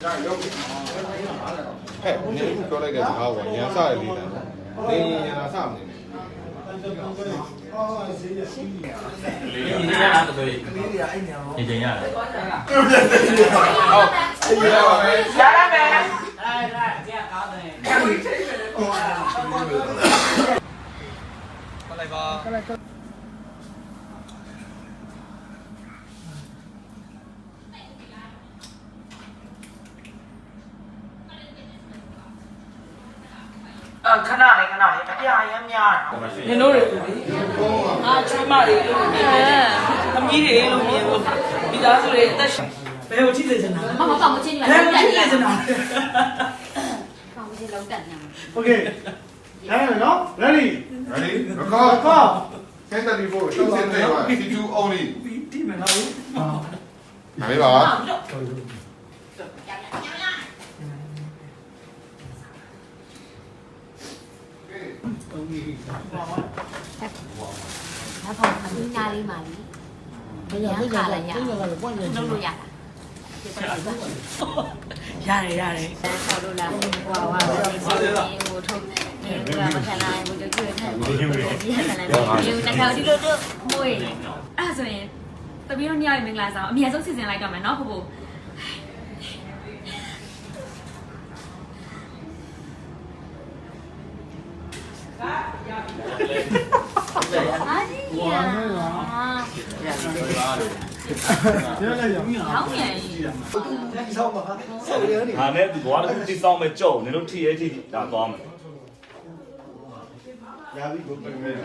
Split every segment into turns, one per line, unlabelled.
你说那个啥，我年啥的哩呢？你年啥么的？
你这样子可以，你这样。
好，下来没？
来，这样搞的。
过来吧。ခဏလေးအပြာရမ်းများတယ်နင်တို့တွေအာချွေးမတွေလို့မြင်တယ်သမီးတွေလို့မြင်လို့မိသားစုတွေအသက်ရှင်ဘယ်ကိုကြည့်နေစနာမကောင်းမချင်းနေပါဘူးဘယ်ကိုကြည့်နေစနာကောင်းမချင်းလောက်တက်နေโอเคရမယ်နော် ready
Ready? Record. 10:34. Show 10:34. C2 only.
ဒီမယ်နော်
哪里吧？
那跑很压力嘛哩，人家卡了呀，弄路呀，
ရတယ်
跑路了，哇，我从你我看来我就觉得看，你那看这个妹，啊，所以特别你要明来上，明天事情来干嘛？孬婆婆。
ဟာနဲ့ဒီဘွားတစ်ခုတိဆောင်းမဲ့ကြောက်နင်တို့ထိရဲထိဒါသွားမယ်
压力不平面。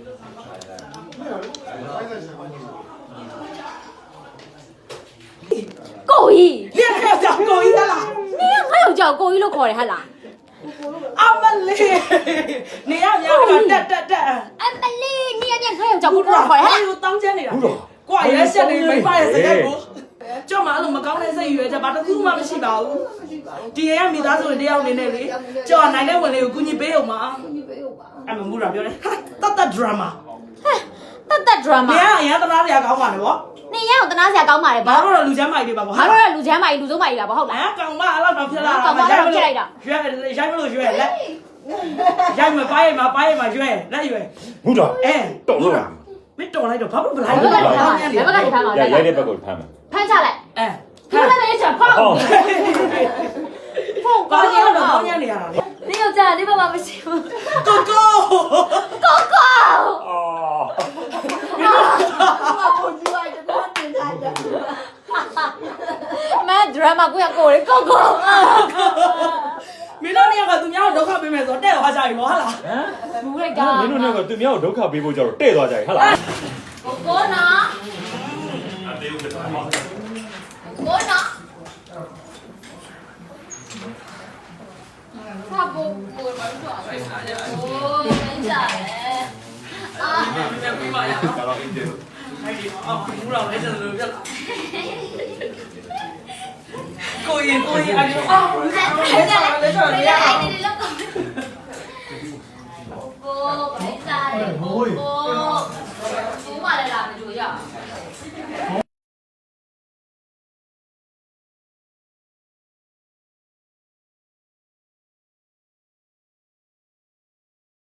ကိုကြီး
你看叫狗一啦
你ငါယောက်ျားကိုကြီးလို့ခေါ်တယ်ဟဟလား
အမလေးနေရများတက်
အမလေး你ငါယောက်ျားကိုလို့ခေါ်တယ်ဟဟလား
တောင်းချမ်းနေတာကွာရဲဆက်နေမိမရဲ့စကားကိုကြောက်မှအဲ့လိုမကောင်းတဲ့စိတ်ရွယ်ချက်ဘာတစ်ခုမှမရှိပါဘူးဒီရဲမိသားစုတွေတယောက်နေနဲ့လေကြောက်နိုင်တဲ့ဝင်လေးကိုကူညီပေးအောင်ပါအဲ့မမှုတာပြောတယ်တတ်ဒရာမာ
တတ်ဒရာမာ
နေရအရင်သလားတရားကောင်းပါလေဗော
နေရအောင်တနာစရာကောင်းပါလေ
ဘာ
ဘာ
လို့လူချမ်းမိုက်တွေပါဗော
ငါတို့ကလူချမ်းမကြီးလူစုံမကြီးပါဘာဟုတ်လား
ကောင်မအဲ့လောက်တော့ဖြစ်လာတာ
ကောင်မတော့ဖြစ်လိုက်တာ
ရွယ်ရိုက်မလို့ရွယ်လက်ရိုက်မပိုင်းရွယ်လက်ရွယ်
ဟုတ်တော့တော်လို့လား
မတော်လိုက်တော့ဘာလို့မလိုက်
ဘယ်ဘက်ကနေဖမ်းမှာလဲဘယ်ဘက်ကနေဖမ်းမှာလဲ
ရိုက်တဲ့ဘက်ကိုဖမ်းမယ်
ဖမ်းချလိုက်ဖမ်းလိုက်ချက်ဖောက်ဖောက်
ဘာ
ကောင်းရ
လို့
တော့
ကောင်းရနေရတာလဲ
နေယောက်ျားနေဘာမှမရှိဘူး
ကိုကို
အော်
ကိုကြီးလိုက်တော့တင်ထားတယ်မဒရမာကိုရကိုလေကို
မင်းတို့เนี่ยကသူများဒုက္ခပေးမယ်ဆိုတော့တဲ့သွားကြပြီဗောဟုတ်လား
ဘူးလိုက်က
မင်းတို့နဲ့ကသူများကိုဒုက္ခပေးဖို့ကြတော့တဲ့သွားကြပြီဟုတ်လား
ကိုနော်ကိုနော်ဘာဘိုးကိုမတော်ဘူးโอ้ไม่ใช่อ่ะ
ပြန်ပြီးပါရအောင်အဲ့ဒီအော်ဘူးတော့လည်းစလို့ပြက်လာကိုရင်အဲ့ဒီအော်ဘူးတော့လည်းဆိုရအောင်
ကိုကိုไม่ใช่ကို